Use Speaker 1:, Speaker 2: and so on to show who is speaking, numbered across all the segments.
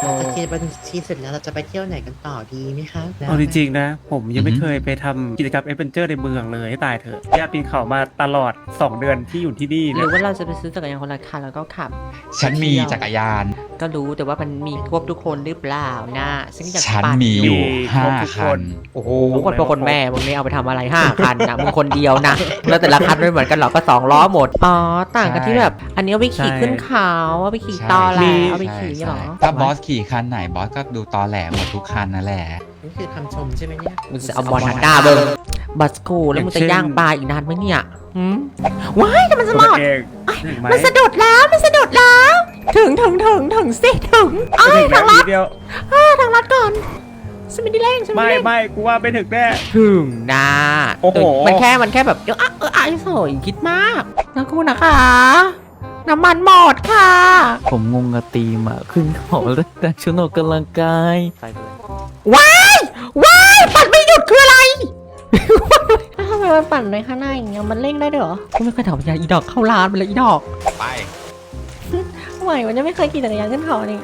Speaker 1: จะเคลียร์บัญชีเสร็จแล้วเราจะไปเที่ยวไหนกันต่อดีไหมคะ
Speaker 2: เอาจริงๆนะผมยังไม่เคยไปทำกิจกรรมแอดเวนเจอร์ในเมืองเลยให้ตายเถอะย่าปีนเขามาตลอด2 เดือนที่อยู่ที่นี่
Speaker 3: ห
Speaker 2: เนี่
Speaker 3: รื
Speaker 2: ย
Speaker 3: อว่าเราจะไปซื้อจักรยานคนละคันแล้วก็ขับ
Speaker 4: ฉันมีจักรยาน
Speaker 3: ก็รู้แต่ว่ามันมีครบทุกคนหรือเปล่านะซึ่งอยาก
Speaker 4: ฉัน
Speaker 3: ปั่น
Speaker 4: มีอยู่
Speaker 2: ครบ
Speaker 4: 5
Speaker 2: ทุก
Speaker 4: คัน
Speaker 3: โอ้โหคนพ่อคนแม่มึงนี่เอาไปทำอะไร5 คันนะมึงคนเดียวนะแล้วแต่ละคันไม่เหมือนกันหรอกก็2 ล้อหมดอ๋อต่างกันที่แบบ อันนี้เอาไปขี่ขึ้นเขาเอาไปขี่ตอแหลเอาไปขี่หรอ
Speaker 4: ถ้าบอสขี่คันไหนบอสก็ดูตอแหลหมดทุกคันนั่นแหละ
Speaker 1: นี่คือคำชมใช่ไหมเนี่ย
Speaker 3: มึงจะเอาบอลหันหน้าเบิ้งบัสกูแล้วมึงจะย่างปลาอีกนานไหมเนี่ยว้ายแต่มันสมอด
Speaker 2: เองถึงไหม
Speaker 3: มันสะดุดแล้วมันสะดุดแล้ว ถึงสิถึงอ้ายทางลัด
Speaker 2: เดียว
Speaker 3: ทางลัดก่อนสมิธเร่งสมิธ
Speaker 2: ไม่
Speaker 3: เร่ง
Speaker 2: ไม่กูว่าไม่ถึงแน่
Speaker 3: ถึงนะ
Speaker 2: โอ้โห
Speaker 3: มันแค่แบบไอ้สวยคิดมากนะคุณนะคะน้ำมันหมดค่ะ
Speaker 5: ผมงงกับตีมอ่ะขึ้นเขาแล้วแต่ชุดออกกำลังกายไปเลย
Speaker 3: ว้ายปั่นไม่หยุดคืออะไรทำไมมันปั่นในข้างหน้าอย่างเงี้ยมันเร่งได้ด้วยเหรอกูไม่เคยถามยาอีดอกเข้าร้านไปเลยอีดอก
Speaker 4: ไป
Speaker 3: ไหววันนี้ไม่เคยขี่จักรยานขึ้นเขานี่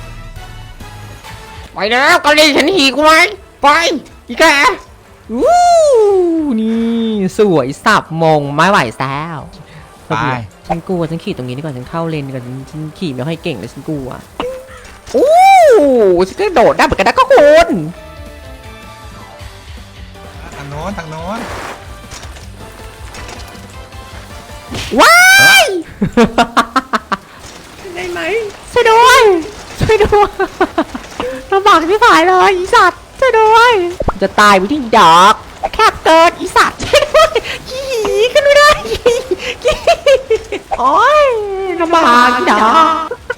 Speaker 3: ไปแล้วกะลีฉันหีกูไหมไปอีแกวู้นี่สวยสับมงไม่ไหวแล้ว
Speaker 4: ไป
Speaker 3: ฉันกลัวฉันขี่ตรงนี้ดีกว่าฉันเข้าเลนดีกว่าฉันขี่ไม่ค่อยเก่งเลยฉันกลัวอู้ฉันก็โดดได้เหมือนกันนะก็คุณ
Speaker 4: ทางโน้นทางโน้น
Speaker 3: ว้ายได้ไหมช่วยด้วยลำบากที่ผายเลยอีสัตว์ช่วยด้วยจะตายไปที่อีดอกแคบเกินอีสัตว์ช่วยด้วยขี่ขึ้นไม่ได้โอ๊ยลำบากอีดอก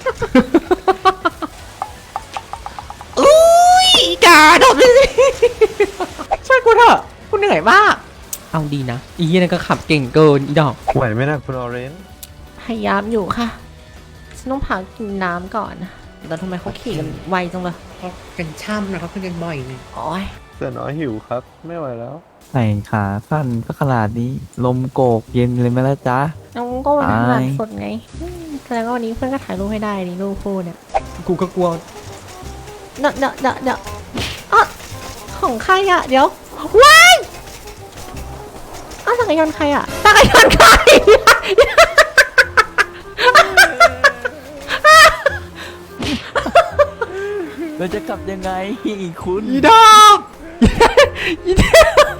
Speaker 3: อุ้ยกาโดดไปสิช่วยกูเถอะกูเหนื่อยมากเอาดีนะอีนั่นก็ขับเก่งเกินอีดอก
Speaker 6: ไหวไหมนะคุณออเรนจ์
Speaker 3: พยายามอยู่ค่ะ ฉันต้องพักกินน้ำก่อนแล้วทำไมเขาขี่กันไวจังเลย
Speaker 1: เพราะเป็นช่ำนะเขาขึ้นกันบ่อยนี่
Speaker 3: โอ้ย
Speaker 6: เสือน้อยหิวครับ ไม่ไหวแล้ว
Speaker 5: ใส่ขาสั้นก็ขนาดนี้ ลมโกกเย็นเลยไหมล่ะจ๊ะ
Speaker 3: น้องก็วันนั้นหลับ
Speaker 5: อาย
Speaker 3: สดไงแสดงว่าวันนี้เพื่อนก็ถ่ายรูปให้ได้นี่รูปคู่เนี่ย กูก็กลัวเดอะอ่ะของใครอ่ะ เดี๋ยว ว้ายอ้าวจักรยานใครอ่ะจักรยานใคร
Speaker 5: เราจะกลับยังไงคุณ
Speaker 3: อีดอกอีดอก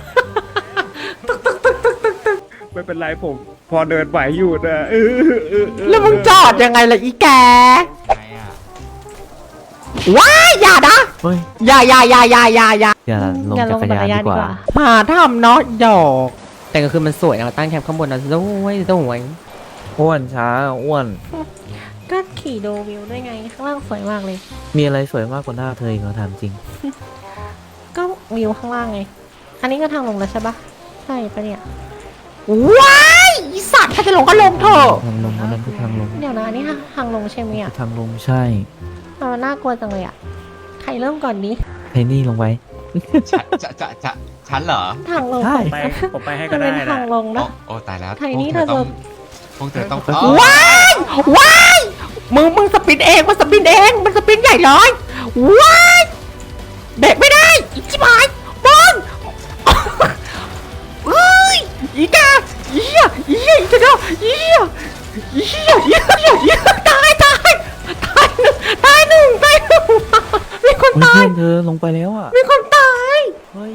Speaker 2: ไม่เป็นไรผมพอเดินไหวอยู่นะ
Speaker 3: แล้วมึงจอดยังไงล่ะอีแก
Speaker 4: ไงอ่ะ
Speaker 3: ว้ายอย่านะ
Speaker 5: เฮ้ย
Speaker 3: อย่า
Speaker 5: อย่าลงจักรยานดีกว่า
Speaker 3: หาทำเนาะดอก แต่ก็คือมันสวยนะเราตั้งแคมป์ข้างบนนะสวย
Speaker 5: อ้วนช้าอ้วน
Speaker 3: ก็ขี่ดูวิวด้วยไงข้างล่างสวยมากเลย
Speaker 5: มีอะไรสวยมากกว่าหน้าเธออีกเหรอถามจริง
Speaker 3: ก็วิวข้างล่างไง อันนี้ก็ทางลงแล้วใช่ปะใช่ปะเนี่ยว้ายอีสัตว์ถ้าจะลงก็ลงเถอะ
Speaker 5: ทางลงอันนั้นคือทางลง
Speaker 3: เดี๋ยวนะอันนี้ทางลงใช่ไหมอ่ะ
Speaker 5: ทางลงใช่
Speaker 3: มันน่ากลัวจังเลยอ่ะใครเริ่มก่อนนี้
Speaker 5: ไทนี่ลงไป
Speaker 4: ฉันเหรอ
Speaker 3: ทางลง
Speaker 5: ใช่
Speaker 2: ผมไปให้
Speaker 3: มั
Speaker 2: ก็
Speaker 3: น
Speaker 2: ได้
Speaker 3: เป็น
Speaker 2: นะ
Speaker 3: ทางลง
Speaker 4: โอ้
Speaker 3: นะ
Speaker 4: โอ้ตายแล้ว
Speaker 3: ไทนี่เธอจะ
Speaker 4: พวกเธอต้อง
Speaker 3: ว้ายมึงสปินเองมันสปินใหญ่เลยว้ายเบรกไม่ได้อีกชิบหายบอลเอ้ยอีกาอีกาตายหนึ่งมีคน
Speaker 5: เฮ้ย
Speaker 3: ตาย
Speaker 5: เพื่อนเธอลงไปแล้วอ่ะ
Speaker 3: มีคนตาย
Speaker 5: เฮ้ย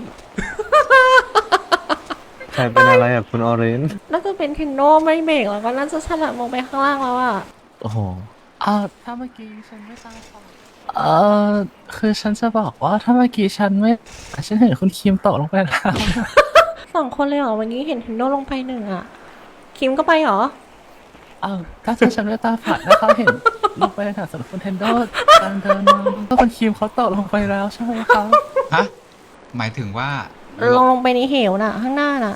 Speaker 6: ใครเป็นอะไรอ่ะคุณออเรนจ์
Speaker 3: น่าจะเป็นเทนโนไม่เบรกแล้วก็น่าจะฉลับลงไปข้างล่างแล้วอ่ะ
Speaker 5: โอ้โห
Speaker 7: ถ้าเมื่อกี้ฉันไม่ตั้งฟังคือฉันจะบอกว่าถ้าเมื่อกี้ฉันเห็นคุณคิมตกลงไปแล้ว
Speaker 3: 2 คนเลยเหรอวันนี้เห็นเทนโนลงไปหนึ่งอ่ะคิมก็ไปเหรอ
Speaker 7: ถ้าฉันไม่ตาฝาดนะเขาเห็นลงไปในแถวสวนคุณเทนโดการเดินมาก็คุณคิมเขาตกลงไปแล้วใช่ไหมครับ
Speaker 4: ฮะหมายถึงว่า
Speaker 3: ลงไปในเหวน่ะ ข้างหน้าน่ะ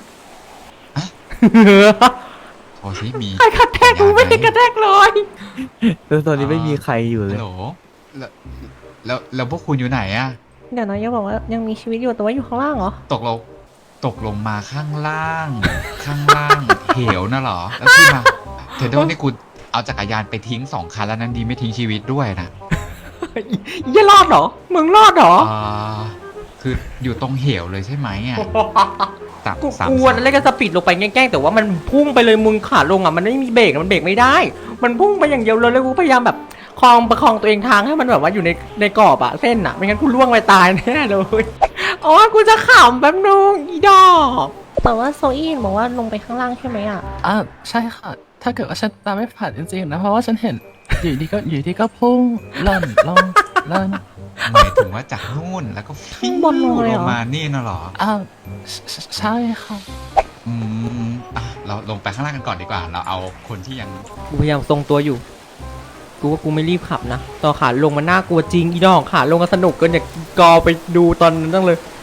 Speaker 4: โทรสิมี
Speaker 3: ใครกระแทกกูไม่ได้กระแทกเลย
Speaker 5: แล้วตอนนี้ไม่มีใครอยู่เล
Speaker 4: ฮั
Speaker 5: ย
Speaker 4: ลโหลแล้วพวกคุณอยู่ไหนอะ
Speaker 3: เดี๋ยวนะยังบอกว่ายังมีชีวิตอยู่แต่ว่าอยู่ข้างล่างเหรอ
Speaker 4: ตกลงมาข้างล่าง เหวน่ะเหรอ แล้วที่มาเธอโดนนี่กูเอาจักรยานไปทิ้ง2 คันแล้วนั้นดีไม่ทิ้งชีวิตด้วยนะ
Speaker 3: อย่ารอดเหรอมึงรอดเหรอ
Speaker 4: คืออยู่ตรงเหวเลยใช่ไหมอ่ะตับ
Speaker 3: กู
Speaker 4: สาม
Speaker 3: กลัวนั่นเลยก็สปีดลงไปแกล้งๆแต่ว่ามันพุ่งไปเลยมึงขาลงอ่ะมันไม่มีเบรกมันเบรกไม่ได้ มันพุ่งไปอย่างเดียวเลยแล้วกูพยายามแบบประคองตัวเองทางให้มันแบบว่าอยู่ในกรอบอะเส้นอะไม่งั้นกูล่วงไปตายแน่เลยอ๋อกูจะขำแป๊บนึงอีดอกแต่ว่าโซอี้บอกว่าลงไปข้างล่างใช่ไหมอะ
Speaker 7: ใช่ค่ะ ถ้าเกิดว่าฉันตามไม่ผ่านจริงๆนะเพราะว่าฉันเห็นอยู่ดีก็พุ่งหล่นลงหล่น
Speaker 4: หมายถึงว่าจากนู่นแล้วก็ฟิวลงมานี่น่ะเหรอ
Speaker 7: ใช่ค่ะ
Speaker 4: เราลงไปข้างล่างกันก่อนดีกว่า เราเอาคนที่ยัง
Speaker 3: กูพยายามทรงตัวอยู่กูว่ากูไม่รีบขับนะตอนขาลงมันน่ากลัวจริงอีดอกขาลงก็สนุกเกินอยากกอไปดูตอนนั้นตั้งเลย